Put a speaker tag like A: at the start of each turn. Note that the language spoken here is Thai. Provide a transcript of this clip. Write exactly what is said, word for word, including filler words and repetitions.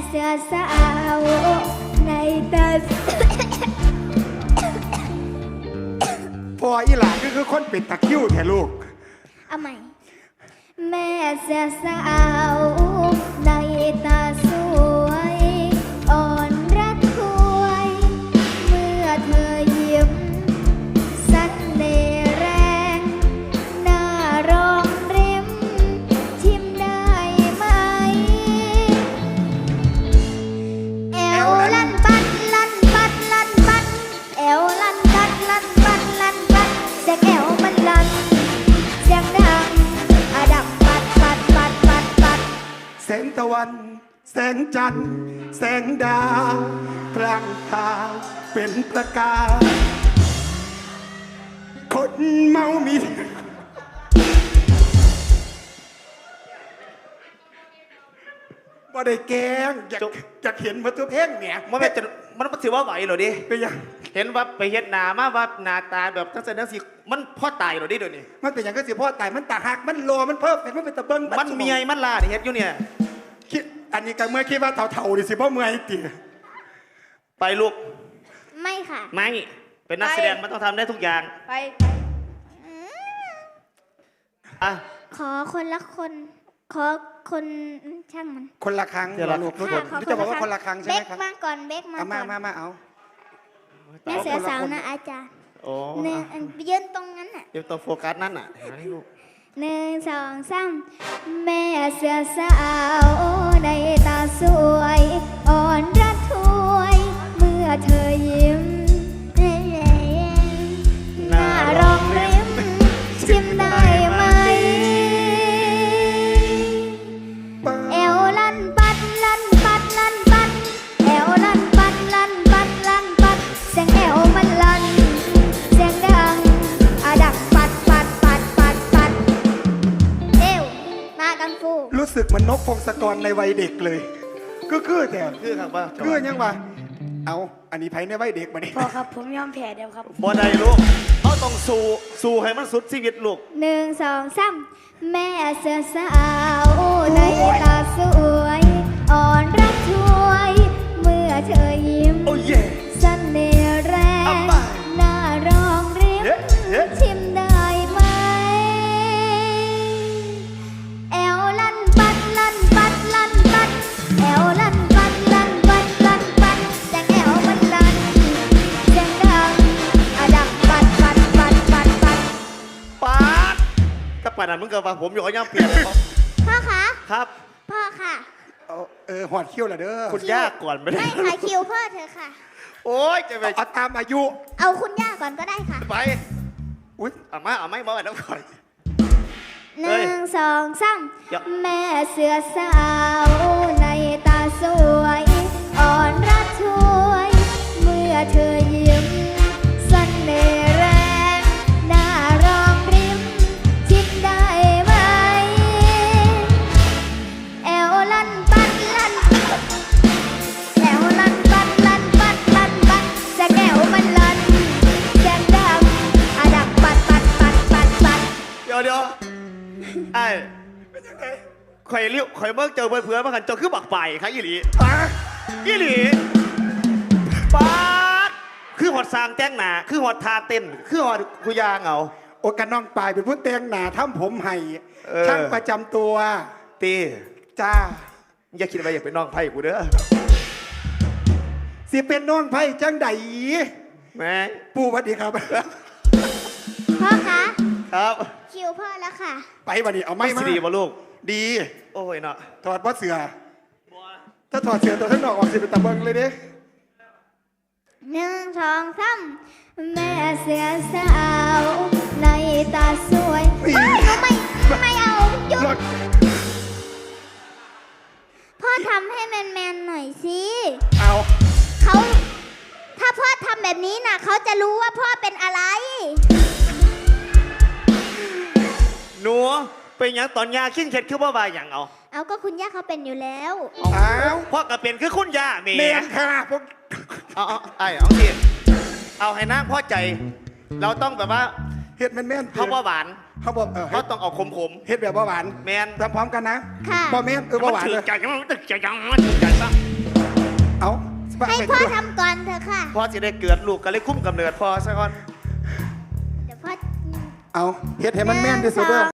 A: เสือสาวในตา
B: พออีหลานก็คือคนปิดตะคิ้วแท้ลูก
A: เอาใหม่แม่เสือสาวในตาสวยอ่อนระทวยเมื่อเธอยิ้มสันเน่ห์แรงหน้ารองริมชิมได้ไหมแอวลั่นปัดลั่นปัดลั่นปัดแอวลั่นปัดลั่นปัดลั่นปัดเสียงแอวมันลั่นเสียงดังอะดับปัดปัดปัดปัดปัด
B: แสงตะวันแสงจันทร์แสงดาวพลางพาเป็นประกายคนเมามีบ่ได้แกงอยากอยากเห็นมาตัวเพลงเนี่ย
C: มันไม่จะมันมันถือว่าไหวเหรอดิ
B: เป็นยัง
C: เห็นว่าไปเฮ็ดหนามาว่าหน้าตาแบบทั้งเส้นทั้งสีมันพ่อตายเหรอดิเดี๋ยวนี้
B: มันเป็นอย่างก็สิพ่อตายมันตาหักมันโลมันเพิ่มแต่มันเป็นตะเบิ้ง
C: มันเมียมันล่าเฮ็ดอยู่เนี่ย
B: คิดอันนี้ก็เมื่อคิดว่าเถ่าๆดิสิพ่อเมื่อยตี
C: ไปลูก
A: ไม่ค่ะ
C: ไม่เป็นนักแสดงมันต้องทำได้ทุกอย่าง
A: ไปไป
C: อ่ะ
A: ขอคนละคนขอคนช่างมัน
B: คนละครั้ง
C: เดี๋ยวเรา
B: ลูกลูกจะบอกว่าคนละครั้งใช่ไหมครับ
A: เบกมาก่อนเบกมาก่อน
B: มามามาเอา
A: แม่เสือสาวนะอาจารย์
C: โอ้
A: เนี่ยยืนตรงนั้นน่ะ
C: เดี๋ยวตัวโฟกัสนั่นน่ะให้ลูก
A: หนึ่งสองสามแม่เสือสาวในตาสวยอ่อนระทวยเมื่อเธอยิ้มหน้ารองริมชิมได้ไหมเอวลั่นปัดลั่นปัดลั่นปัดเอวลั่นปัดลั่นปัดลั่นปัดเสียงเอวมันลั่นเสียงดังอะดักปัดปัดปัดปัดปัดเอวมากังฟู
B: รู้สึกมันนกพงศกรในวัยเด็กเลยก็คือแต่
C: คือครับว่า
B: คือยังวะเอาอันนี้ไผ่ในวัยเด็กมาดิ
D: พอครับผมยอมแพ้เดียวครับ
C: บ่ได้ลูกเขาต้องสู้สู้ให้มันสุดชีวิตลูก
A: หนึ่งสองสามแม่เสือสาวในตาสวยอ่อนรักช่วยเมื่อเธอยิ้ม
C: โอ้เย่
A: เสน่ห์แรงหน้ารองริมชิมได้ไหมแอวลั่นปัดลั่นปัดลั่นปัดแอวลั่นปัดลั่นปัดลั่นปัดเสียงแอวมันลั่นเสียงดังอะดังปัดปัดปัดปัดปัด
C: ปัดถ้าปัดนั้นมึงก็ว่าผมอยู่กับย่ำเปลี่ยน
A: พ่อคะ
C: ครับ
A: พ่อค่ะ
B: เออหอดคิ้วละเด้อ
C: คุณย่าก่อนไม่ได้
A: ไม่ค่ะคิวพ่อเธอค่ะ
C: โอ้ยจะไป
B: เอาตามอายุ
A: เอาคุณย่าก่อนก็ได้ค่ะ
C: ไป
B: อุ้ย
C: เอามาเอาไม่บอกแล้วก่อน
A: หนึ่งสองสามแม่เสือสาวในตาสวยอ่อนรักช่วยเมื่อเธอยิ้มเสน่ห์แรงหน้ารองริมชิดได้ไหมแอวลั่นปัดลั่นแอวลั่นปัดลั่นปัดลั่นปัดจะแก้วมันลั่นแก้มดำอะดักปัดปัดปัดปัดปัด
C: เดี๋ยวเดี๋ยวไอ้เป็นยังไงข่อยเลี้ยวข่อยเมื่อเจอเพื่อนๆมากันเจอคือบักไปครับอีหลีอีหลีป๊าดคือหอดสร้างแจ้งหนาคือหอดทาเต้นคือหอดกุยางเอา
B: โอกาน้องปลายเป็นผู้เตียงหนาทำผมให้ช่างประจำตัว
C: ตี
B: จ้า
C: อย่าคิดว่าอยากเป็นน้องไผ่กูเด้อ
B: สิเป็นน้องไผ่จังใด
C: แม่
B: ปู่สวัสดีครับ
A: พ่อคะ
C: ครับ
A: คิวพ่อแล้วค่ะ
B: ไปวันนี้เอาไม่มา
C: ดีป่ะลูก
B: ดี
C: โอ้ยเนาะ
B: ถอดผ้าเสือถ้าถอดเสือตัวท่านนอกออกสิเป็นตะเบิงเลยดิ
A: หนึ่งสองสามแม่เสือสาวในตาสวยไม่ไม่เอาหยุดพ่อทำให้แมนแมนหน่อยสิ
B: เอา
A: เขาถ้าพ่อทำแบบนี้นะเขาจะรู้ว่าพ่อเป็นอะไร
C: หนูเป็นอย่างตอนยาขิ้นเข็ดคือว่าบาอย่างเอา
A: เอาก็คุณย่าเขาเป็นอยู่แล้ว
B: เอา
C: พ่อก็เป็นคือคุณย่าเมย์
B: เมย์ค่ะพวก
C: เอาเอาไอ้เอาสิเอาให้น้าพ่อใจเราต้องแบบว่า
B: เฮ็ดแม่นแม่น
C: เขาบ่หวาน
B: เขาบอกเออ
C: เขาต้องเอาขมขม
B: เฮ็ดแบบบ่หวาน
C: ๆแมน
B: ทำพร้อมกันนะ
A: ค่ะ
B: บ่แม่นเออบ่หวาน
C: ถื
B: เล
C: อย ใจมันตึกใจจังมันตึกใจซะ
B: เอา
A: ให้พ่อทำก่อนเถอะค่ะ
C: พ่อจะได้เกิดลูกก็เลยคุ้มกำเนิดพ่อซะก่อน
A: เดี๋ยวพ่อ
B: เอาเฮ็ดให้มันแม่นที่สุดเด้อ